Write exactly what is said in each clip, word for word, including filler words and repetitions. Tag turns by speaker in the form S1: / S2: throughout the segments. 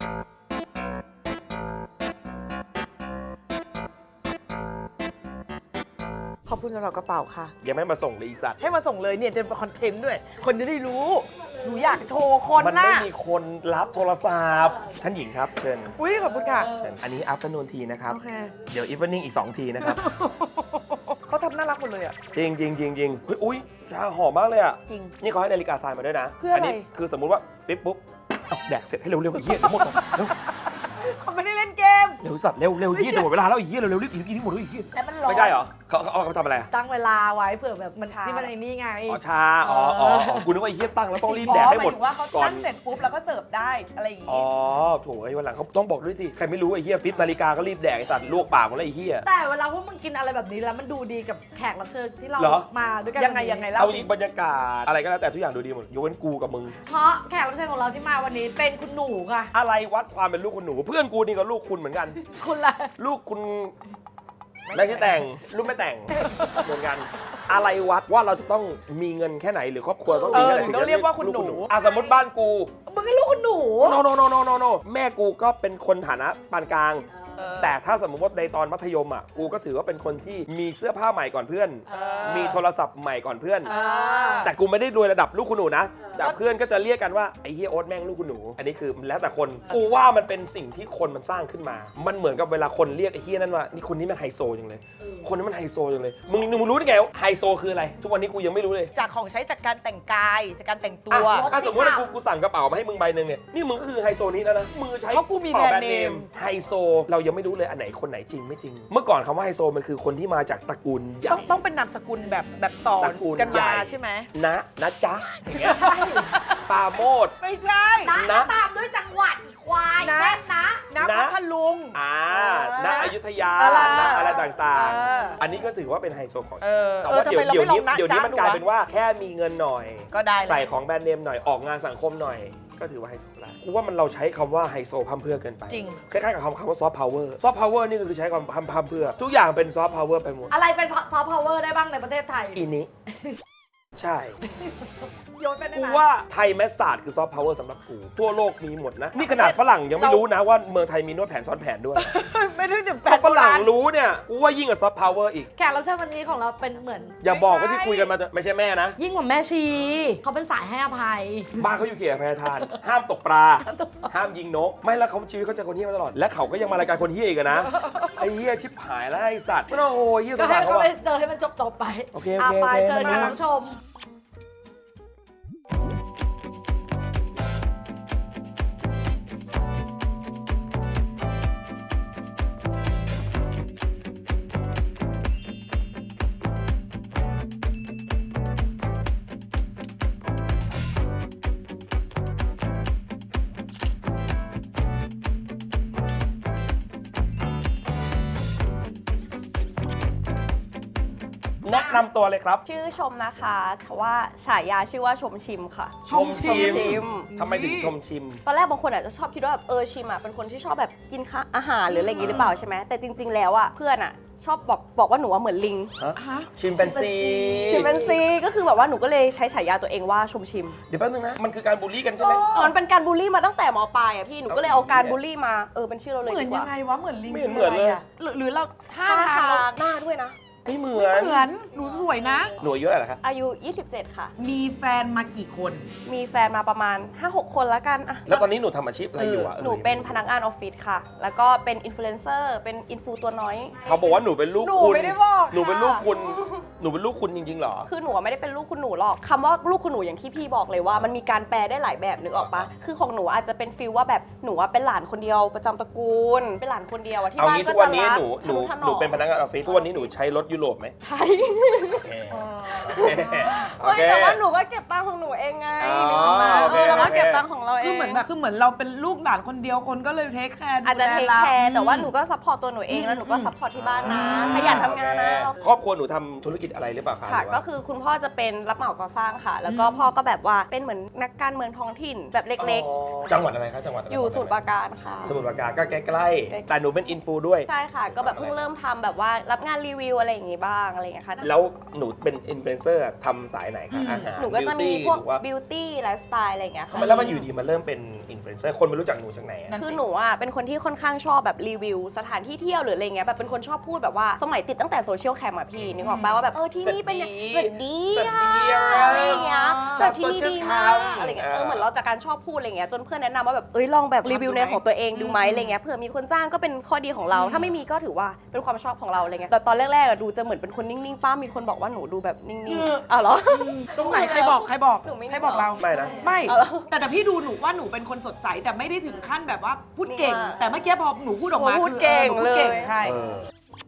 S1: ขอบคุณสำหรับกระเป๋าค่ะ
S2: ยังไม่มาส่งเลยอีสัตว์
S1: ให้มาส่งเลยเนี่ยจะเป็นคอนเทนต์ด้วย คนจะได้รู้หนูอยากโชว์คน
S2: มัน
S1: นะ
S2: ไม่มีคนรับโทรศัพท์ท่านหญิงครับเชิญ
S1: อุ้ยขอบคุณค่ะ
S2: เชิญอันนี้ afternoon tea นะครับ
S1: โอเค
S2: เดี๋ยว evening อีกสองทีนะครับ
S1: เขาทำน่ารักหมดเลยอ่ะ
S2: จริงจริงจริงจริงเฮ้ยอุ้ยชาหอมมากเลยอ่ะ
S1: จริง
S2: นี่เขาให้นาฬิกาทรายมาด้วยนะ
S1: เพื่ออะไร
S2: นี้คือสมมุติว่าฟิปปุ๊บเอาแดกเสร็จให้เร็วๆเยี่ยหมดก่อนเร็ว
S1: เขาไม่ได้เล่นเกม
S2: เร็วสัตว์เร็วเร็วเยี่ยจะหมดเวลาแล้วไอ้เยี่ยเร็วเร็วรีบกินกินหมดเลยไอ้เยี่ย
S3: แล้วมันร้อน
S2: ไม่ใช่เหรอเขาเขาเขาทำอะไร
S3: ตั้งเวลาไว้เผื่อแบบมัน
S1: ชา
S3: ที่มันไอ้นี่ไง
S2: อ๋อชาอ๋ออ๋ออ๋อกูนึกว่าไอ้เยี่ยตั้งแล้วต้องรีบแดกให้หมด
S1: อ๋อายถึงว่าเขา
S2: ก่อน
S1: ตั้งเสร็จปุ๊บแล้วก็เสิร์ฟได้อะไรอย่าง
S2: อ๋
S1: งี้
S2: อโถไอ้วันหลังเขาต้องบอกด้วยสิใครไม่รู้ไอ้เหี้ยฟิปนาฬิกาก็รีบแดกไอ้สัตว์ลวกปากหมดแล้วไอ้เหี้ย
S3: แต่เวลาพวกมึงกินอะไรแบบนี้แล้วมันดูดีกับแขกรับเชิญที่เรา
S2: เหรอ
S3: มาด้วยกัน
S1: ยังไงยังไงเล่า
S2: เอาอีกบรรยากาศอะไรก็แล้วแต่ทุกอย่างดูดีหมดยกเว้นกูกับมึง
S3: เพราะแขกรับเชิญของเราที่มาวันนี้เป็นคุณหนูค่ะ
S2: อะไรวัดความเป็นลูกคุณหนู เพื่อนกูนี่ก็ลูกคุณเหมือนกัน
S3: คุณละ
S2: ลูกคุณไม่ใช่แต่งลูกไม่แต่งเหมือนกันอะไรวัดว่าเราจะต้องมีเงินแค่ไหนหรือครอบครัวต้องมีแค่ไหน
S1: เออถึงต้องเรียกว่าคุณหนู
S2: อ่ะสมมติบ้านกู
S3: มึงก็ลูกคุณหนู
S2: โนโนโนโนโนโนแม่กูก็เป็นคนฐานะปานกลาง
S1: เออ
S2: แต่ถ้าสมมติว่าในตอนมัธยมอ่ะกูก็ถือว่าเป็นคนที่มีเสื้อผ้าใหม่ก่อนเพื่อน
S1: เออ
S2: มีโทรศัพท์ใหม่ก่อนเพื่อน
S1: อ่า
S2: แต่กูไม่ได้รวยระดับลูกคุณหนูนะ แต่เพื่อนก็จะเรียกกันว่าไอ้เฮียโอ๊ตแม่งลูกคุณหนู อันนี้คือแล้วแต่คน กูว่ามันเป็นสิ่งที่คนมันสร้างขึ้นมา มันเหมือนกับเวลาคนเรียกไอ้เฮียนั่นว่านี่คนนี้มันไฮโซจังเลย คนนี้มันไฮโซจังเลย มึงมึงรู้ได้ไงว่าไฮโซคืออะไร ทุกวันนี้กูยังไม่รู้เลย
S1: จากของใช้จากการแต่งกายจากการแต่งตั
S2: อ่ะ
S1: ว
S2: อ่ะสมมติว่ากูกูสั่งกระเป๋ามาให้มึงใบหนึ่งเนี่ย นี่มึงก็คือไฮโซนี้แล้วนะ มือใช้
S1: เพราะกูมี
S2: กระเป๋า
S1: แบรนด์เนม
S2: ไฮโซ เรายังไม่รู้เลยอันไหนคนไหนจริงไม่จริง เมื่อก่อนคำว่าไฮโซมันคือคนที่มาจากตระกูลใหญ่
S1: ต้องต้องเป็นนามสกุลแบบแบบต่อ
S2: ตระกูล
S1: กัน
S2: ใหญ่
S1: มาใช่ไหม
S2: นะนะจ๊ะอย่างเงี้ยปาโมด
S1: ไม่ใช่
S3: นะ
S2: นะ
S3: ตามด้วยจังหวัดอีกควาย
S1: นะ
S3: เช่นนะ
S1: นะ
S2: นะ
S1: พัทลุง
S2: อ่า
S1: นะ
S2: ณอยุธยา
S1: อะไร
S2: ณอะไรต่าง
S1: เออ
S2: ๆ อันนี้ก็ถือว่าเป็นไฮโซของ
S1: เออ
S2: แต่
S1: เออ
S2: ว่า
S1: ทำ
S2: เดี๋ยว
S1: ไมเรา
S2: เดี๋ยว
S1: ไม่ล
S2: นี้
S1: องนะ
S2: เดี๋ยวนี้
S1: จ๊ะ
S2: มัน
S1: ดู
S2: กลาย
S1: วะ
S2: เป็นว่าแค่มีเงินหน่อย
S1: ก็ได้แล้ว
S2: ใส่ของแบรนด์เนมหน่อยออกงานสังคมหน่อย ก็ถือว่าไฮโซแล้วกูว่ามันเราใช้คำว่าไฮโซพั่มเพรื่อเกินไป
S1: จริง
S2: คล้ายๆกับคำคำว่าซอฟต์พาวเวอร์ซอฟต์พาวเวอร์นี่ก็คือใช้คำพั่มพั่มเพรื่อทุกอย่างเป็นซอฟต์พาวเวอร์ไปหมด
S3: อะไรเป็นซอฟต์พาวเวอร์ได้บ้างในประเทศไทย
S2: อีนี้ ใช่
S3: โยนไปได้
S2: กู
S3: ไหม
S2: ว่าไทยแมสซาดคือซอฟต์พาวเวอร์สำหรับกูทั่วโลกมีหมดนะนี่ขนาดฝรั่งยังไม่รู้นะว่าเมืองไทยมีนวดแผนซ้อนแผนด้วย
S1: ไม่ได้ถึงแป
S2: ถ้า
S1: ด
S2: ฝรั่งรู้เนี่ยกูว่ายิ่งกับซอฟต์พาวเวอร์อีก
S3: แขกรับเชิญวันนี้ของเราเป็นเหมือน
S2: อย่าบอกว่าที่คุยกันมาจะไม่ใช่แม่นะ
S3: ยิ่งกว่าแม่ชีเขาเป็นสายให้อภัย
S2: บ้านเขาอยู่เขตอภัยทาน ห้ามตกปลา ห้ามยิงนก ไม่แล้วเขาชีวิตเขาเจอคนเฮี้ยมาตลอด และเขาก็ยังมารายการคนเฮี้ยอีกอะนะ ไอ้เฮี้ยชิบหายแล้วไอ้สัตว์ไม่ต้องโอ้ยเฮี้ยส
S3: ก็
S2: ง
S3: ให้
S2: สาร
S3: เขา
S2: เขา
S3: ไป
S2: อะ
S3: เจอให้มันจบจบๆไป
S2: โอเคโอเค
S3: าไป
S2: โอเค
S3: เจอ
S2: มา
S3: กันคุณผู้ชม
S2: แนะนำตัวเลยครับ
S4: ชื่อชมนะคะแต่ว่าฉายาชื่อว่าชมชิมค่ะ
S2: ชมชิม
S4: ชมชิม
S2: ทำไมถึงชมชิม
S4: ตอนแรกบางคนอาจจะชอบคิดว่าแบบเออชิมอ่ะเป็นคนที่ชอบแบบกินข้าอาหารหรืออะไรอย่างงี้หรือเปล่าใช่ไหมแต่จริง ๆ แล้วอ่ะเพื่อนอ่ะชอบบอกบอกว่าหนูว่าเหมือนลิง
S1: ฮะ
S2: ชิมเป็นซี
S4: ชิมเป็นซีก็คือแบบว่าหนูก็เลยใช้ฉายาตัวเองว่าชมชิม
S2: เดี๋ยวแป๊บนึงนะ มันคือการบูลลี่กันใช่ไหม
S4: เออมันเป็นการบูลลี่มาตั้งแต่มปลายอ่ะพี่หนูก็เลยเอาการบูลลี่มาเออเป็นชื่อเราเลย
S1: เหมือน
S4: ดีก
S1: ยั
S4: ว่าง
S1: ไงวะ เหมือนลิง
S2: ไม่เห็นเหมือนเลย
S1: ะไระหรือหรือเราท่า
S4: ท่า
S1: ทา
S4: ทาง งหน้าด้วยนะ
S2: ไม่เหมือ
S1: เรา
S2: น
S1: เหมือน หนูสวยนะ
S2: หนูอายุเท่าไหร่เหรอครับ
S4: อายุ ยี่สิบเจ็ด ค่ะ
S1: มีแฟนมากี่คน
S4: มีแฟนมาประมาณ ห้าหก คนแล้วกันอะ
S2: แล้วตอนนี้หนูทำอาชีพอะไรอยู่อะ
S4: หนูเป็นพนักงานออฟฟิศค่ะ แล้วก็เป็นอินฟลูเอนเซอร์ เป็นอินฟูตัวน้อย
S2: เขาบอกว่าหนูเป็นลูก
S1: หนู
S2: คุณ
S1: ไม่ได้บอก
S2: หนูเป็น
S1: ค่ะ
S2: ลูกคุณ หนูเป็นลูกคุณจริงๆเหรอ
S4: คือหนูไม่ได้เป็นลูกคุณหนูหรอกคำว่าลูกคุณหนูอย่างที่พี่บอกเลยว่ามันมีการแปลได้หลายแบบนึกออกปะคือของหนูอาจจะเป็นฟีลว่าแบบหนูอะเป็นหลานคนเดียวประจำตระกูล เป็นหลานคนเดียวอะที่
S2: เอา
S4: บ้าน
S2: งี้
S4: ก็
S2: ทุกวั
S4: จะ
S2: นนี้
S4: รัก
S2: หนูหนู
S4: ทะถ
S2: หนูเป็นพนักงานออฟฟิศทุกวันนี้หนูใช้รถยุโรปไหม
S4: ใช่
S2: โอเคโอ
S4: ไม่
S2: เค
S4: แต่ว่าหนูก็เก็บตังค์ของหนูเองไง
S2: อ๋อ
S4: นึกออกมา
S2: โอ
S4: เอ
S2: เค
S4: อเราก็
S2: โอเค
S4: เก็บตังค์ของเราเอง
S1: คือเหมือนแบบคือเหมือนเราเป็นลูกหลานคนเดียวคนก็เลยเทคแคร์
S4: อาจจะเทค
S1: ดู
S4: แค
S1: ล
S4: ร์แต่ว่าหนูก็ซัพพอร์ตตัวหนูเองแล้วหนูก็ซัพพอร์ตที่บ้านนะขยันทำงานนะ
S2: ครอบครัวหนูทำธุรกิจอะไรหรือเปล่าคะ
S4: ค่ะ
S2: หรือ
S4: ก็
S2: ว่า
S4: คือคุณพ่อจะเป็นรับเหมาก่อสร้างค่ะ แล้วก็พ่อก็แบบว่าเป็นเหมือนนักการเมืองท้องถิ่นแบบเล็ก
S2: อ๋อจังหวัดอะไรคะจังหวัดะไร
S4: ๆ อยู่สมุทรปราการค่ะ
S2: สมุทรปราการก็ใกล้ๆแต่หนูเป็นอินฟูด้วย
S4: ใช่ค่ะ ก็แบบเพิ่งเริ่มทำแบบว่ารับงานรีวิวอะไรอย่างงี้บ้างอะไรอย่างเงี้ยค่ะ
S2: แล้วหนูเป็นอินฟลูเอนเซอร์ทำสายไหนคะอาหาร
S4: หนูก็จะมี
S2: beauty
S4: พวก
S2: หรือว่า
S4: บิวตี้ไลฟ์สไตล์อะไรอย่างเงี้ยค่ะ
S2: แล้วมันอยู่ดีมันเริ่มเป็นอินฟฟลูเอนเซอร์คนไม่รู้จักหนูจากไหนอะ
S4: คือหนูอ่ะเป็นคนที่ค่อนข้างชอบแบบรีวิวสถานที่เที่ยวหรืออะไรเงี้ยแบบเป็นคนชอบพูดแบบว่าสมัยติดตั้งแต่โซเชียลแคมอะพี่นึกออกป่ะว่าแบบเออที่นี่เป็นอย่างสวัสดี
S2: สวัสดี
S4: อะอะไรอย่างเงี้ย
S2: ชอบ
S4: ที่นี่ดีมาก
S2: social cam
S4: อะไรเงี้ยเอ
S2: เอ
S4: อ
S2: อ
S4: เหมือนเราจากการชอบพูดอะไรเงี้ยจนเพื่อนแนะนำว่าแบบเอ้ยลองแบบรีวิวในของตัวเองดูไหมอะไรเงี้ยเผื่อมีคนจ้างก็เป็นข้อดีของเรา ถ้าไม่มีก็ถือว่าเป็นความชอบของเราอะไรเงี้ยแต่ตอนแรกๆอะดูจะเหมือนเป็นคนนิ่งๆป้ามีคนบอกว่าหนูดูแบบนิ่งๆอ้าวเหรอ
S3: ตรงไหนใครบอกใครบอก
S4: หนูไม่
S3: ใครบอกเรา
S2: ไม่นะ
S3: ไม่
S4: เอาเหรอ
S3: แต่แต่พี่ดูหนูว่าหนูเป็นคนสดใสแต่ไม่ได้ถึงขั้นแบบว่าพูดเก่ง
S4: นี่ว่า
S3: แต่เมื่อกี้พอหนูพูดออกมา
S4: หนูพูด
S3: คือ
S4: เก่ง
S3: ออหนูพูดเก่ง
S4: เลย
S3: ใช่
S2: เออ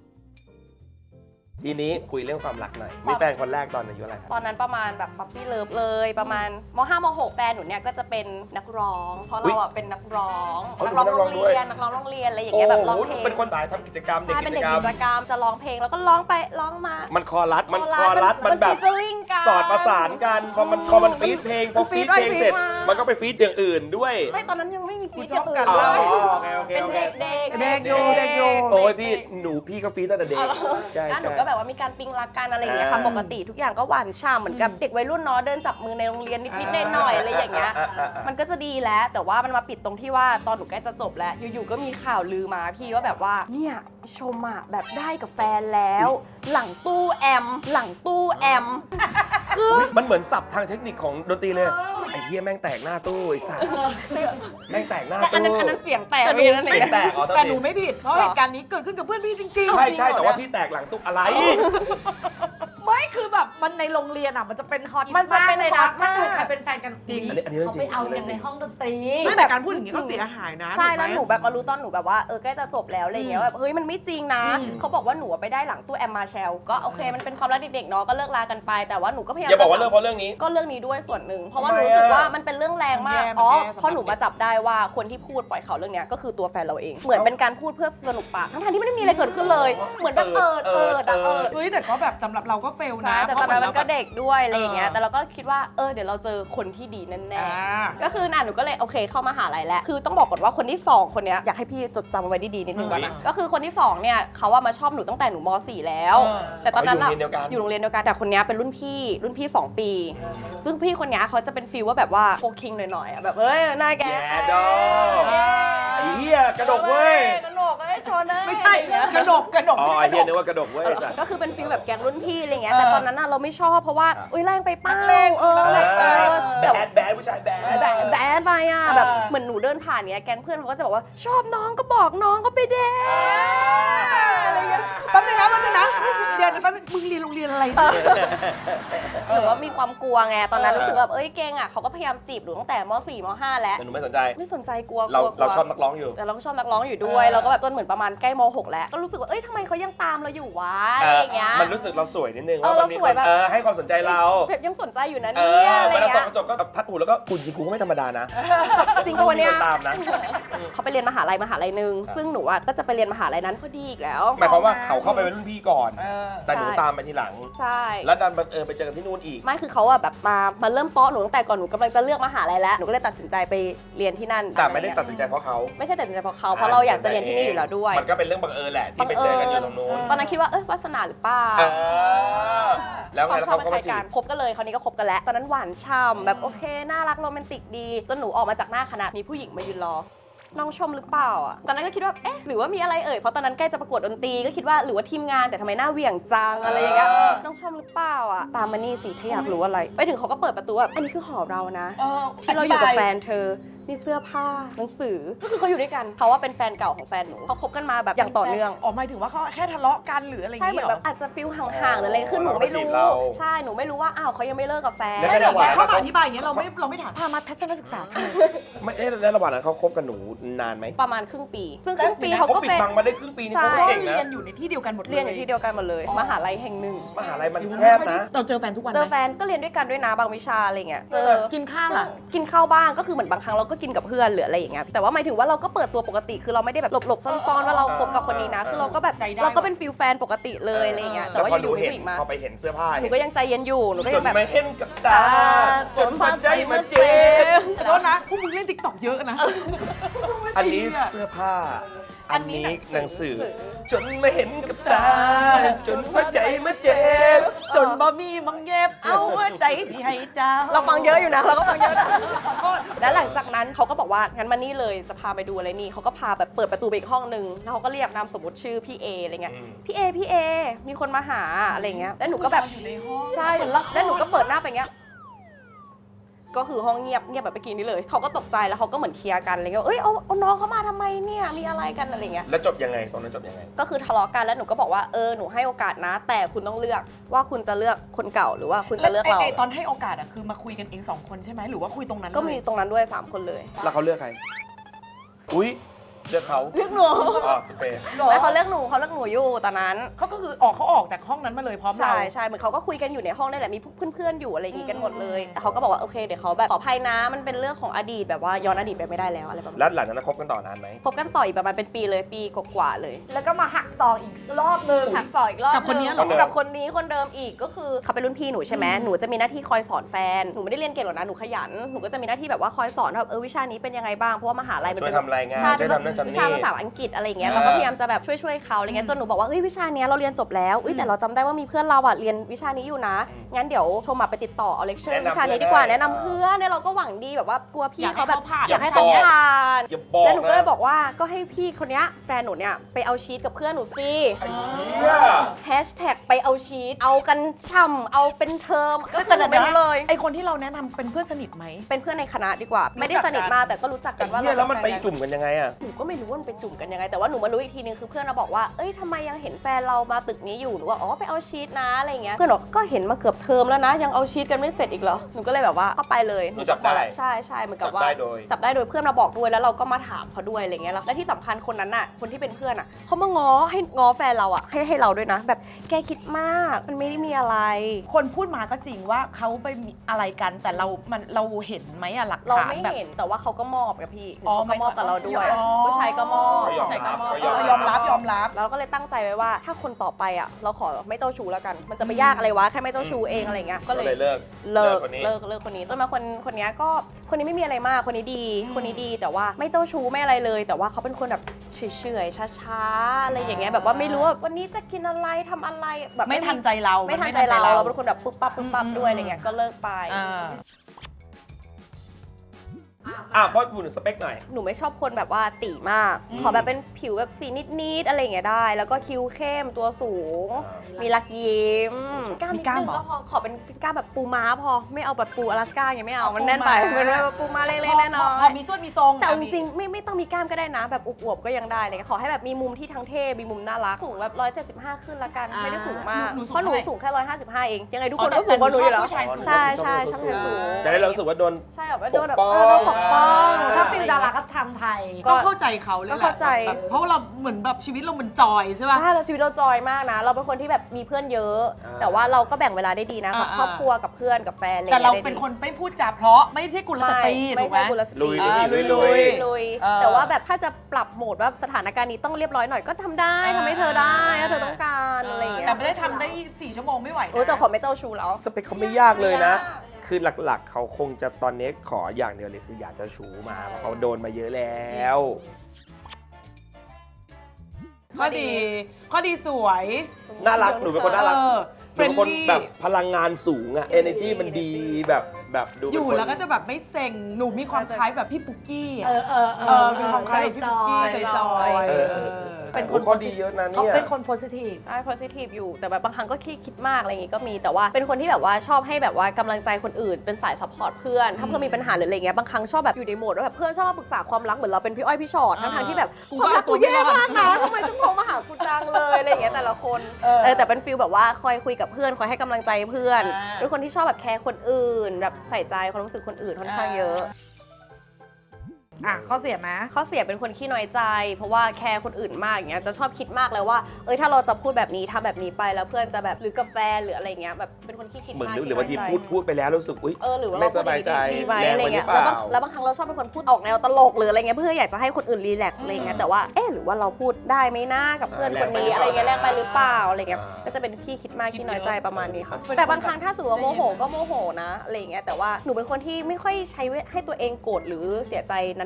S2: ทีนี้คุยเรื่องความรักหน่อยมีแฟนคนแรกตอนอายุอะไรครับ
S4: ตอนนั้นประมาณแบบป๊อปปี้เลิฟเลยประมาณมห้ามหกแฟนหนูเนี่ยก็จะเป็นนักร้อง เพราะเราอ่ะเป็นนักร้อง
S2: อ๋อ
S4: นักร้อง
S2: หนู
S4: โร
S2: เป็นนักร้องด้วย
S4: งเรียนนักร้องโรงเรียนอะไรอย่าง
S2: โอ้
S4: เงี้ยแบบร้อง
S2: โห
S4: เพลง
S2: เป็นคนสายทำกิจกรรมเด็ก
S4: ใช่
S2: กิ
S4: เป็น
S2: จ
S4: เด็ก
S2: กรรม
S4: กิจกรรมจะร้องเพลงแล้วก็ร้องไปร้องมา
S2: มันคอรัสมัน
S4: ค
S2: ค
S4: อ
S2: อ
S4: รั
S2: รั
S4: ส
S2: ส
S4: มั
S2: มัน นแบบ
S4: featuring กัน
S2: สอดประสานกันพอมันพอมันฟีดเพลงพอ
S4: ฟี
S2: ฟี
S4: ด
S2: ด
S4: ไป
S2: เพลงเสร็จ
S4: ฟีดมา
S2: มันก็ไปฟีดอย่างอื่นด้วย
S4: ไม่ตอนนั้นยังไม่มีฟีด
S3: ช
S4: อ
S3: อบ
S4: ย่างอื่
S3: กัน
S4: น
S2: อ๋อ
S4: เลย
S2: โอเคโอเค
S4: เป็น
S2: โอเค
S4: เด็กๆ
S3: เด็กอยู่เด็กอยู่
S2: โอ้ยพี่หนูพี่ก็ฟีดตั้งแต่เด็กใช่
S4: แล้วหนู
S2: ใช่
S4: ก็แบบว่ามีการปิ๊งรักกันอะไรอย่างเงี้ยค่ะ
S2: อ่า
S4: ปกติทุกอย่างก็หวานฉ่ำเหมือนกับเด็กวัยรุ่นเนาะเดินจับมือในโรงเรียนนิดๆหน่อยๆอะไรอย่างเงี้ย มันก็จะดีแล้วแต่ว่ามันมาปิดตรงที่ว่าตอนหนูใกล้จะจบแล้วอยู่ๆก็มีข่าวลือมาพี่ว่าแบบว่าเนี่ยชมอะแบบได้กับแฟนแล้ว หลังตู้แอม หลังตู้แอม
S2: มันเหมือนศัพท์ทางเทคนิคของดนตรีเลย ไอ้เหี้ยแม่งแตกหน้าตู้ไอ้สัสแม่งแตกหน้า
S4: แต่อัน
S2: ตู้
S4: นั้นอันนั้นเสียงแตก
S3: แต่หนู
S4: พี่นั่นเอ
S2: เสียง
S4: ง
S2: แตกอ๋อโทษ
S3: แต่
S2: ที
S3: หนูไม่ผิด เพราะเหตุการณ์นี้เกิดขึ้นกับเพื่อนพี่จริงๆ
S2: ใช่ใช่แต่ว่าพี่แตกหลังตู้อะไร
S3: ไม่คือแบบมันในโรงเรียนอ่ะมันจะเป็นฮอต
S4: มันจะเป็น
S3: เลย
S4: ฮอ
S3: นะ
S4: ต
S3: ถ้าม
S4: าก
S3: เกิดใครเป็นแฟนกันจริง
S2: อันนี้อันนี้เรื่อง
S5: เขา
S2: จริ
S5: ไป
S2: ง
S5: เอา
S2: อันนี้
S5: กันใน
S2: เรื่องจริง
S5: ห้องดนตรี
S3: ไม่แต่การพูดอย่างนี้ก็เสียหายนะ
S4: ใช่
S3: ถูกไม
S4: แล้วหนูแบบมารู้ตอนหนูแบบว่าเออใกล้จะจบแล้วอะไรเงี้ยแบบเฮ้ยมันไม่จริงนะ
S3: อืม
S4: เขาบอกว่าหนูไปได้หลังตู้แอมมาแชลก็โอเคมันเป็นความรักเด็กๆเนาะก็เลิกลากันไปแต่ว่าหนูก็พยายาม
S2: อย่าบอกว่าเรื่องเพราะเรื่องนี้
S4: ก็เรื่องนี้ด้วยส่วนหนึ่งเพราะว่า
S2: ทำ
S4: ห
S2: ไม
S4: นูรู้สึก
S2: อะ
S4: ว่ามันเป็นเรื่องแรงมาก
S3: มันแย่
S4: อ๋อ
S3: มันแย่
S4: เพราะหนูมาจับได้ว่าคนที่พูดปล่อยข่าวเรื่องเนี้ยก็คือตัวแฟนเราเอง เหมือนเป็นการพูดเพื่อสนุกปากทั้งๆที่ไม่ได้มีอะไรเกิดขึ้นเลย เหมือนแบบเอิดเอิดอะเอิด
S3: เฮ้ยแต่ก็แบบสำหรับเราก็เฟล
S4: ใช่
S3: นะ
S4: แต่ตอนนั้นมันก็เด็กด้วยอะไรอย่างเงี้ย
S3: เออ
S4: แต่เราก็คิดว่าเออเดี๋ยวเราเจอคนที่ดีแน่
S3: อ่า
S4: ๆก็คือน่ะหนูก็เลยโอเคเข้ามหาลัยแล้วคือต้องบอกก่อนว่าคนที่สองคนเนี้ยอยากให้พี่จดจำไว้ดีๆนิดนึงก่อนนะก็คือคนที่สองเนี่ยเขาว่ามาชอบหนูตั้งแต่หนูม .สี่ แล้ว
S3: เออ
S4: แต่ตอนนั้น
S2: อ๋ออยู่โรงเรียนเดียวกัน
S4: อยู่โรงเรียนเดียวกันแต่คนเนี้ยเป็นรุ่นพี่รุ่นพี่สองปี ซึ่งพี่คนเนี้ยเขาจะเป็นฟีลว่าแบบว่าโฟคิงหน่อยๆอะแบบเอ้ยหน้าแก
S2: แย่ดอกไอ้เหี้ยกระดกเว้ย
S4: กระดกเอ้ยชนเลย
S3: ไม่ใช่กระดกกระดก
S2: อ๋อ
S3: ไม่
S2: ไอ้
S3: ได้
S2: เหี้ย
S3: ก
S2: นึ
S3: ระ
S2: ก
S3: ดก
S2: ว่ากระดกเว้ยไอ้สัส
S4: ก็คือเป็นฟีลแบบแก๊งรุ่นพี่อะไรเงี้ย
S3: เออ
S4: แต่ตอนนั้นน่ะเราไม่ชอบเพราะว่า
S2: ครับ
S4: อุ้ยแรงไปเป้า
S3: แรง
S4: เออแรงเออ
S2: แบ
S4: แบบ
S2: ดแบดผู้ชายแบด
S4: แบดแบดไปอ่ะ
S3: เออ
S4: แบบเหมือนหนูเดินผ่านเนี้ยแก๊งเพื่อนเขาก็จะบอกว่าชอบน้องก็บอกน้องก็ไปเดทอะไรเงี้ย
S3: แป๊บนึงนะแป๊บนึงนะเดี๋ยวแป๊บนึงมึงเรียนโรงเรียนอะไรเนี่ย
S4: หนูว่ามีความกลัวไงตอนนั้นรู้สึกแบบเอ้ยเก่งอ่ะเขาก็พยายามจีบหนูตั้งแต่ม .สี่ ม .ห้า แล้ว
S2: แต่หนูไม่สนใจ
S4: ไม่สนใจกลัวก
S2: เรา
S4: ลัวกลั
S2: เรา
S4: ว
S2: ชอบนักร้องอยู่
S4: แต่เราก็ชอบนักร้องอยู่ด้วย
S3: เออ
S4: เราก็แบบจนเหมือนประมาณใกล้ม .หก แล้วก็รู้สึกว่าเอ้ยทำไมเขายังตามเราอยู่วะอะไรอย่างเงี้ย
S2: มันรู้สึกเราสวยนิดนึง
S4: เออ
S2: ว่ามันมี
S4: เราส
S2: ค
S4: วย
S2: น
S4: แบบ
S2: เออให้ความสนใจเรา
S4: แบบยังสนใจอยู่นะ
S2: เอ
S4: เนี่ย
S2: อ
S4: อะไร
S2: เวลาส่อง
S4: เงี้ย
S2: กระจกก็ทัดหูแล้วก็คุณจริงกูก็ไม่ธรรมดานะ
S4: จริงปะวันเนี้ย
S2: มีคตามนะ
S4: เขาไปเรียนมหาลัยมหาลัยหนึ่งซึ่งหนูอ่ะก็จะไปเรียนมหาลัยนั้นพอดีอีกแล้ว
S2: หมายความว่าเขาเข้าไปเป็นรุ่นพี่ก่อน
S3: เออ
S2: แต่หนู
S4: ใช่
S2: ตามไปทีหลัง
S4: ใช่
S2: แล้วดันบังเอิญไปเจอกันที่นู่นอีก
S4: ไม่คือเขาอะแบบมามาเริ่มเตาะหนูตั้งแต่ก่อนหนูกำลังจะเลือกมหาลัยแล้วหนูก็เลยตัดสินใจไปเรียนที่นั่น
S2: แต่ไม่ได้ตัดสินใจเพราะเขา
S4: ไม่ใช่ตัดสินใจเพราะเขาเพราะเราอยากจะเรียนที่นี่อยู่แล้วด้วย
S2: มันก็เป็นเรื่องบังเอิญแหละที่ไปเจอกันอยู่ตรงนู้น
S4: ตอนนั้นคิดว่าเออวาสนาหรือเปล่า
S2: เออแล้วไง
S4: ความ
S2: แล้ว
S4: ชอบ
S2: เขา
S4: มัน
S2: ก็
S4: คล้า
S2: มาจี
S4: ยกับ นคบกันเลยคราวนี้ก็คบกันแล้วตอนนั้นหวานช่ำแบบโอเคน่ารักโรแมนติกดีจนหนูออกมาจากหน้าคณะมีผู้หญิงมายืนรอน้องชมหรือเปล่าอ่ะตอนนั้นก็คิดว่าเอ๊ะหรือว่ามีอะไรเอ่ยเพราะตอนนั้นใกล้จะประกวดดนตรีก็คิดว่าหรือว่าทีมงานแต่ทำไมหน้าเหวี่ยงจังอะไรอย่างเงี้ยน้องชมหรือเปล่าอ่ะตามมานี่สิถ้าอยากรู้อะไรไปถึงเขาก็เปิดประตูแบบอันนี้คือหอเรานะ
S3: เออ
S4: ที่เราอยู่กับแฟนเธอมีเสื้อผ้าหนังสือก็คือเขาอยู่ด้วยกันเขาว่าเป็นแฟนเก่าของแฟนหนูเขาคบกันมาแบบอย่างต่อเนื่อง
S3: อ๋อหมายถึงว่าเขาแค่ทะเลาะกันหรืออะไรอย่าง
S4: ใช่เหมื
S3: เงี้
S4: อย น
S3: เหร
S4: แบ
S3: อบ
S4: อาจจะฟิลห่างๆหรืออะไรคือหนูไม่รู้ใช่หนูไม่รู้ว่าอ้าวเขายังไม่เลิกกับแฟน
S2: แล้ว
S3: ไม่
S2: ก็
S3: เดี๋ยว
S2: ระหว่าง
S3: เขามาอธิบายอย่างเงี้ยเราไม่เราไม่ถาม
S4: พามาทัศนศึกษาทำไม
S2: ไม่เอ๊ะแล้วระหว่างนั้นเขาคบกับหนูนานไหม
S4: ประมาณครึ่งปี ซึ่งครึ่งปีเขา
S2: เขา
S4: ก็
S2: ปิด
S4: เป็น
S2: บังมาได้ครึ่งปีนี่
S4: ใช่
S2: เขา
S3: ก็
S2: เก่ง
S3: เรีย
S2: นะ
S3: นอยู่ในที่เดียวกันหมดเลย
S4: เรียนอยู่ที่เดียวกันหมดเลย มหาลัยแห่งหนึ่ง
S2: มหาลัยมันแคบนะ
S3: เราเจอแฟนทุกวันไหม
S4: เจอแฟนก็เรียนด้วยกันด้วยนะบางวิชาอะไรเงี้ยเจอ
S3: กินข้าวล่ะ
S4: กินข้าวบ้างก็คือเหมือนบางครั้งเราก็กินกับเพื่อนหรืออะไรอย่างเงี้ยแต่ว่าหมายถึงว่าเราก็เปิดตัวปกติคือเราไม่ได้แบบหลบๆซ่อนๆว่าเราคบกับคนนี้นะคือเราก็แบบ
S3: ใจได้
S4: เราก็เป็นฟิลแฟนปกติเลยอะไรเงี้ยแต่
S2: แล้ว
S4: ว่า
S2: พอ
S4: อ
S2: หนู
S4: ยู่ๆมี
S2: เห็น
S4: ผู้หญิงมา
S2: พอไปเห็นเสื้อผ้า
S4: หนูก็ยังใจเย็นอยู่หนูก็
S2: จ
S4: ยั
S2: น
S4: งแบบ
S2: ไม่เห็นกับตาจนหัวใจมันเจ็บ
S3: ขอโทษนะพวกมึงเล่นติ๊กต็อกเยอะนะ
S2: อันนี้เสื้อผ้าอันนี้หนังสือ จนมาเห็นกับตา จนหัวใจมาเจ็บ
S1: จนบ่มีมังเย็บ เอาหัวใจที่ให้เจ้า
S4: เราฟังเยอะอยู่นะเราก็ฟังเยอะนะแล้วหลังจากนั้นเขาก็บอกว่างั้นมานี่เลยจะพาไปดูอะไรนี่เขาก็พาแบบเปิดประตูไปอีกห้องนึงแล้วเขาก็เรียกนามสมมติชื่อพี่เออะไรเงี้ย
S2: อืม
S4: พี่เอพี่เอมีคนมาหาอะไรเงี้ยแล้วหนูก็แบบ
S1: อยู่ในห้อง
S4: ใช่แล้วหนูก็เปิดหน้าไปเงี้ยก็คือห้องเงียบเงียบแบบเมื่อกี้นี้เลยเขาก็ตกใจแล้วเขาก็เหมือนเคลียร์กันอะไรเงี้ยเอ้ยเอาเอาน้องเขามาทำไมเนี่ยมีอะไรกันอะไรเงี้ย
S2: แล้วจบยังไงตอนนั้นจบยังไง
S4: ก็คือทะเลาะกันแล้วหนูก็บอกว่าเออหนูให้โอกาสนะ แต่คุณต้องเลือกว่าคุณจะเลือกคนเก่าหรือว่าคุณจะเลือกเรา
S1: ไอ้ตอนให้โอกาสอะคือมาคุยกันเองสองคนใช่ไหมหรือว่าคุยตรงนั้น
S4: ก็มี
S1: เลย
S4: ตรงนั้นด้วยสามคนเลย
S2: แล้วเขาเลือกใคร อุ้ยเลือกเขา
S4: เลือกหนู
S2: อ๋อโอเค
S4: แล้วเขาเลือกหนูเขาเลือกหนูอยู่ตอนนั้น
S1: เขาก็คือออกเขาออกจากห้องนั้นมาเลยพร้อมเรา
S4: ใช่ใช่เหมือนเขาก็คุยกันอยู่ในห้องนี่แหละมีเพื่อนๆอยู่อะไรอย่างงี้กันหมดเลยแต่เขาก็บอกว่าโอเคเดี๋ยวเขาแบบขออภัยนะมันเป็นเรื่องของอดีตแบบว่าย้อนอดีตไปไม่ได้แล้วอะไรประมาณ
S2: แล้วหลังจากนั้นคบกันต่อนานไหม
S4: คบกันต่ออีกประมาณเป็นปีเลยปีกว่าๆเลย
S3: แล้วก็มาหักซองอีกรอบนึง
S4: หักศอกอีกรอบ
S1: กับคนนี้เหรอ
S4: งกับคนนี้คนเดิมอีกก็คือเขาเป็นรุ่นพี่หนูใช่ไหมหนูจะมีหน้าที่คอยสอนแฟนหนูไม่ได้เรียนเก่งหรอกนะหนูขยันหนูก็จะมีหน้าที่แบบว่าคอยสอนว่าแบบเออวิชานี้เป็นยังไงบ้างเพราะว่ามหาลัยมัน
S2: ช่วย
S4: เป็น
S2: ทำรายงาน
S4: ใช่
S2: ช่วยทำนั่นทำ
S4: วิ
S2: นี่
S4: ชาภาษาอังกฤษอะไรอย่างเงี้ยเราก็พยายามจะแบบช่วยช่วยๆเขาอะไรเงี้ยจนหนูบอกว่าเฮ้ยวิชาเนี้ยเราเรียนจบแล้วอุ้ยแต่เราจำได้ว่ามีเพื่อนเราอ่ะเรียนวิชานี้อยู่นะงั้นเดี๋ยวโทรมาไปติดต่อเอาเลคเชอร์วิชานี้ดีกว่าแนะนำเพื่อนเนี่ยเราก็หวังดีแบบว่ากลัวพี่เขาแบบอยากให้เขาผ่าน
S2: อย่าบอก
S4: แล้วหนูก็เลย
S2: นะ
S4: บอกว่าก็ให้พี่คนเนี้ยแฟนหนูเนี่ยไปเอาชีตกับเพื่อนหนูสิ
S2: ไอ้เหี้ย
S4: แฮชแท็กไปเอาชีตเอากันช่ำเอาเป็นเทอมก็
S1: แต่
S4: คือ
S1: เดี๋ยว
S4: ไม่
S1: นะ
S4: รู้เลย
S1: ไอคนที่เราแนะนำเป็นเพื่อนสนิทไหม
S4: เป็นเพื่อนในคณะดีกว่า ไม่ได้สนิทมากแต่ก็รู้จักกั
S2: ไอ้
S4: นว่า
S2: เหี้ย
S4: เรา
S2: แล้วมันไป
S4: เป็ฟกั
S2: จุ่มกันยังไงอะ
S4: หนูก็ไม่รู้ว่ามันไปจุ่มกันยังไงแต่ว่าหนูมารู้อีกทีนึงคือเพื่อนเราบอกว่าเอ้ยทำไมยังเห็นแฟนเรามาตึกนี้อยู่หนูว่าอ๋อไปเอาชีตนะอะไรเงี้ยเพื่อนบอกก็เห็นมาเกือบเทอมแล้วนะยังเอาชีตกันไม่เสร็จอีกเหรอหนูก็เลยแบบว่าก็ไปเลย
S2: หนูจับได้
S4: ใช่ใช่เหมือนกับว่า
S2: จับได้โดย
S4: จับได้โดยเพื่อนมาบอกด้วยแล้วเราก็มาถามเขาด้วยอะไรเงี้ยแล้วและที่สำคัญคนนั้นน่ะคนที่เป็นเพื่อนอ่ะเขามาง้อให้ง้อแฟนเราอ่ะให้ให้เราด้วยนะ แบบแกคิดมากมันไม่ได้มีอะไร
S1: คนพูดมาก็จริงว่าเขาไปมีอะไรกันแต่เรา มันเราเห็นไหมอะหลัก
S4: เรา
S1: ฐาน
S4: ไม่
S1: แบบ
S4: เห็นแต่ว่าเขาก็มอบกับพี่
S1: อ๋อ
S4: เขาก็มอบกับเราด้วย
S1: อ๋อ
S4: ผู้ชายก็มอบ
S2: เขายอม
S4: ผู้ชายก็มอบ
S2: รับ
S1: เออยอมรับยอมรับ
S4: แล้วเราก็เลยตั้งใจไว้ว่าถ้าคนต่อไปอ่ะเราขอไม่เจ้าชู้แล้วกัน มันจะไปยากอะไรวะแค่ไม่เจ้าชู้เองอะไรเงี้ย
S2: ก็
S4: ก็
S2: เล
S4: เลย ย
S2: เลิก
S4: เลิก
S2: คนนี้
S4: เลิกเลิกคนนี้จนมาคนคนเนี้ยก็คนนี้ไม่มีอะไรมากคนนี้ดี คนนี้ดีแต่ว่าไม่เจ้าชู้ไม่อะไรเลย แต่ว่าเขาเป็นคนแบบเฉยๆช้าๆอะไรอย่างเงี้ยแบบว่าไม่รู้ว่าวันนี้จะกินอะไรทำอะไรแบบ
S1: ไม่ทันใจเรา
S4: ไม่ทันใจเราเราเป็นคนแบบปุ๊บปั๊บปุ๊บปั๊บด้วยอะไรเงี้ยก็เลิกไป
S1: อ่า
S2: อ่ะพอพูดถึงสเปคหน่อย
S4: หนูไม่ชอบคนแบบว่าตีมาก
S1: อืม
S4: ขอแบบเป็นผิวแบบสีนิดๆอะไรอย่างเงี้ยได้ แล้วก็คิ้วเข้มตัวสูง มีลักยิ้มกล้ามนิดนึงก็พอขอเป็นกล้ามแบบปูม้าพอไม่เอาแบบปูอลาสก้าอย่างเงี้ยไม่เอามันแน่นไปมันแบบปูม้าเล็กๆแน่นอ
S1: พอน มีส่วนมีทรง
S4: แต่จริงๆไม่ไม่ต้องมีกล้ามก็ได้นะ แบบอวบๆก็ยังได้เลยขอให้แบบมีมุมที่ทั้งเท่มีมุมน่ารักสูงแบบร้อยเจ็ดสิบห้าขึ้นละกันไม่ได้สูงมากเพราะหนูสูงแค่ร้อยห้าสิบห้าเองยังไงทุกคนก็สูงกว่าหนูอยู่แล้ว
S1: ผู้ชายสูง
S4: ใช่ใช่ชอบชายสูง
S2: จะได้เรารู้สึกว่าโดน
S4: ใช่แบบว่าโดนแบบ
S2: ปกป้อง
S4: เออโดนปกป้อง
S3: ถ้าฟิลดาราก็ทำไทย
S1: ก็เข้าใจเขาเลยแหละ
S4: ก็เข้าใจ
S1: แบบเพราะว่าเราเหมือนแบบชีวิตเราเหมือนจอยใช่ป่ะ
S4: ใช่เราชีวิตเราจอยมากนะ เราเป็นคนที่แบบมีเพื่อนเยอะ
S2: อ่า
S4: แต่ว่าเราก็แบ่งเวลาได้ดีนะกับ
S1: อ่า
S4: ครอบครัวกับเพื่อนกับแฟนอะไร
S1: แต่เรา
S4: งี้ยได้ดี
S1: เป็นคนไม่พูดจาเพราะไม่ใช่กุลสตรี
S4: ไม่
S1: ถูกไหม
S4: ใช่กุลสตรี
S2: ลุย
S1: อ่า
S2: ลุยลุย
S1: ลุ
S2: ลุ
S1: ย
S2: ย
S4: ลุย
S1: เออ
S4: แต่ว่าแบบถ้าจะปรับโหมดว่าสถานการณ์นี้ต้องเรียบร้อยหน่อยก็ทำได้
S1: อ่า
S4: ทำให้เธอได้ถ้าเธอต้องการอะไรอย่างเงี้ย
S1: แต่ไม่ได้ทำได้สี่ชั่วโมงไม่ไหวนะ
S4: โอ้ยแต่ขอไม่เจ้าชู้แล้ว
S2: สเปคเขาไม่ยากเลยนะ
S4: ไม่ยาก
S2: คือหลักๆ เขาคงจะตอนนี้ขออย่างเดียวเลยคืออยากจะชูมาเพราะเขาโดนมาเยอะแล้ว
S1: ข้อดี ข้อดีสวย
S2: น่ารักหนูเป็นคนน่ารัก
S1: เออ
S2: หนูเป็นคน
S1: friendly
S2: แบบพลังงานสูงอะ energy มันดีแบบแบบดู
S1: อ
S2: เป็น
S1: ยู่
S2: คน
S1: แล้วก็จะแบบไม่เซ็ง หนูมีความคล้ายแบบพี่ปุ๊กกี้อะ
S3: เออเออเอ
S1: เอ
S3: อ
S1: อมีความคล้ายแบบพี่ปุ๊กกี้ใจจอย
S2: เออเออ
S3: เป็น
S2: โอ้
S3: คน
S2: ข้อดีเยอะนะ
S3: เขา
S2: เนี่ย
S3: เป็นคนโพสิทีฟ
S4: ใช่ positive อยู่แต่แบบบางครั้งก็คิดคิดมากอะไรอย่างงี้ก็มีแต่ว่าเป็นคนที่แบบว่าชอบให้แบบว่ากำลังใจคนอื่นเป็นสาย support เพื่อนถ้าเพื่อนมีปัญหาหรืออะไรเงี้ยบางครั้งชอบแบบอยู่ในโหมดว่าแบบเพื่อนชอบมาปรึกษาความรักเหมือนเราเป็นพี่อ้อยพี่ชอตทั้งทางๆที่แบบ
S1: กู
S4: ความรัก
S1: ก็
S4: กู
S1: เอาตัว
S4: แย่
S1: ไม่รอด
S4: มากนะทำไมต้องโทรมาหากูจังเลยอะไรอย่างเงี้ยแต่ละคน
S1: เออ
S4: เออแต่เป็นฟีลแบบว่าคอยคุยกับเพื่อนคอยให้กำลังใจเพื่อน
S1: อ่า
S4: ด้วยคนที่ชอบแบบแคร์คนอื่น แบบใส่ใจความรู้สึกคนอื่นค่อนข้างเยอะ
S3: อ่ะข้อเสียไหม
S4: ข้อเสียเป็นคนขี้น้อยใจ เพราะว่าแคร์คนอื่นมากอย่างเงี้ยจะชอบคิดมากเลยว่าเอ้ยถ้าเราจะพูดแบบนี้ทำแบบนี้ไปแล้วเพื่อนจะแบบหรือกับแฟนหรืออะไรเงี้ยแบบเป็นคนขี้คิด
S2: เหมือน
S4: มาก
S2: หรือหรือบางที
S4: ขี้น้ยใจ
S2: พูดพูดไปแล้วรู้สึกอุ้ย
S4: เออหรือว่า
S2: ไม่
S4: เราพูด
S2: สบายใจ
S4: ดีไหม
S2: แรง
S4: อะไร
S2: ไปหรื
S4: เงี้
S2: อย เป
S4: แล้ว
S2: ล่า
S4: บางแล้วบางครั้งเราชอบเป็นคนพูดออกแนวตลกหรืออะไรเงี้ยเพื่ออยากจะให้คนอื่นรีแลกซ์อะไรเงี้ยแต่ว่าเอ๊ะหรือว่าเราพูดได้ไหมนะกับเพื่อนคนนี้อะไรเงี้ยแรงไปหรือเปล่าอะไรเงี้ยก็จะเป็นขี้คิดมากขี้น้อยใจประมาณนี้ค่ะแต่บางครั้งถ้าสมมติว่าโมโหก็โมโหนะอะไรเงี้ยแต่ว่าหนูเป็นคนที่ไม่ค่อยใช้ให้ตัวเองโกรธหรือเสียใจน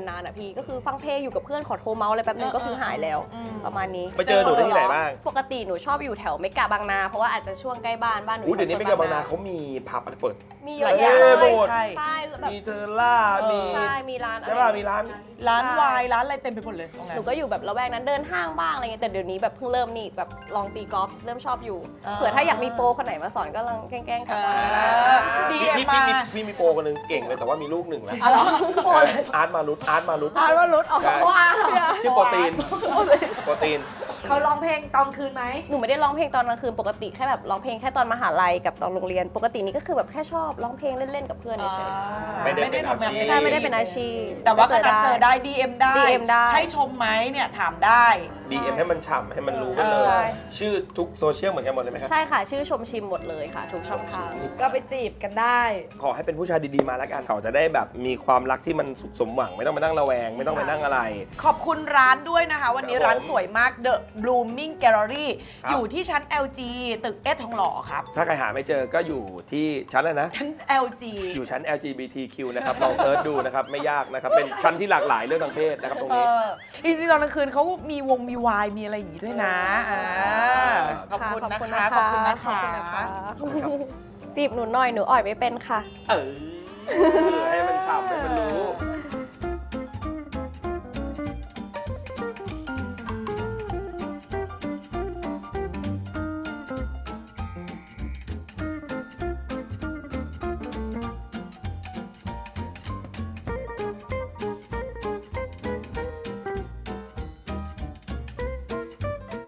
S4: นานๆอ่ะพี่ก็คือฟังเพลงอยู่กับเพื่อนขอโทรเมาส์อะไรแป๊บนึงก็คือหายแล้วประมาณนี้
S2: ไปเจอหนูได้ที่ไหนบ้าง
S4: ปกติหนูชอบอยู่แถวเมกะบางนาเพราะว่าอาจจะช่วงใกล้บ้านบ้านหนู
S2: อู้เดี๋ยวนี้
S4: แถ
S2: ไม่
S4: ว
S2: เกิน
S4: โซ
S2: บางนาเขามีผับอะไรเปิด
S4: มี
S1: ห
S4: ห
S1: ลา
S4: ลาย ย
S1: อ
S4: อย่
S1: า
S4: ย่าง ง
S1: เล
S2: เลย ย
S1: ใช่
S4: ใช่แบบ
S2: มีเทอร่ามี
S4: ใช่มีร้าน
S2: ใช่ป่ะมีร้าน
S1: ร้านวายร้านอะไรเต็มไปหมดเลยตรงนั้
S4: ห
S1: น
S4: นูก็อยู่แบบละแวกนั้นเดินห้างบ้างอะไรเงี้ยแต่เดี๋ยวนี้แบบเพิ่งเริ่มนี่แบบลองตีกอล์ฟเริ่มชอบอยู่
S1: อ่า
S4: เผื่อถ้าอยากมีโปรคนไหนมาสอนก็ลองแกล้งๆทำมา
S1: ดี
S2: พี่
S1: เอ็ม
S2: พี่
S1: มา
S2: พี่มีพี่มีโปรคนหนึงเก่งเลยแต่ว่ามีลูกหนึ่งแล้ว
S4: อ๋อเหรอโปรเลย
S2: อาร์ตมารุตอาร์ตมารุต
S1: อ่านว่ารถออก
S2: ใช่
S1: ว่าเหรอ
S2: ชื่อโปรตีนโปรตีน
S3: เขาร้องเพลงตอนคืนไหม
S4: หนูไม่ได้ร้องเพลงตอนกลางคืนปกติแค่แบบร้องเพลงแค่ตอนมหาลัยกับตอนโรงเรียน ปกตินี้ก็คือแบบแค่ชอบร้องเพลงเล่นๆกับเพื่อนเฉยๆ
S2: ไม่ได้เป็นอาชีพ
S4: ใช่ไม่ได้เป็นอาชีพ
S1: แต่ว่าก็นัดเจอได้ ดี เอ็ม ได้
S4: ดี เอ็ม ได้
S1: ใช่ชมไหมเนี่ยถามได้
S2: ดี เอ็ม ให้มันฉ่ำให้มันรู้กันเลย
S1: เออ
S2: ชื่อทุกโซเชียลเหมือนกันหมดเลยไหมครับ
S4: ใช่ค่ะ ชื่อชมชิมหมดเลยค่ะ ทุกช่องทาง
S3: ก็ไปจีบกันได้
S2: ขอให้เป็นผู้ชายดีๆมาแล้วกันเขาจะได้แบบมีความรักที่มันสุขสมหวังไม่ต้องมานั่งระแวง ไม่ต้องไปนั่งอะไร
S1: ขอบคุณร้านด้วยนะคะ วันนี้
S2: ครับผม
S1: ร้านสวยมาก The Blooming Gallery
S2: ครับ
S1: อยู่ที่ชั้น แอล จี ตึกเอสทองหล่อครับ
S2: ถ้าใครหาไม่เจอก็อยู่ที่ชั้นอะไรนะ
S1: ชั้น แอล จี
S2: อยู่ชั้น แอล จี บี ที คิว นะครับ ลองเซิร์ชดูนะครับ ไม่ยากนะครับ เป็นชั้นที่หลากหลายเรื่องทางเพศนะครับตรง
S1: เอ
S2: นี้
S1: อจริงๆตอนกลางคืนเขามีวงมีวายมีอะไรอย่างนี้ด้วยนะอ่าขอบคุณนะคะ ขอบคุณนะคะ
S4: ขอบคุณนะคะจีบหนูหน่อยหนูอ่อยไม่เป็นค่ะ
S2: เออ ให้มันฉ่ำให้มันรู้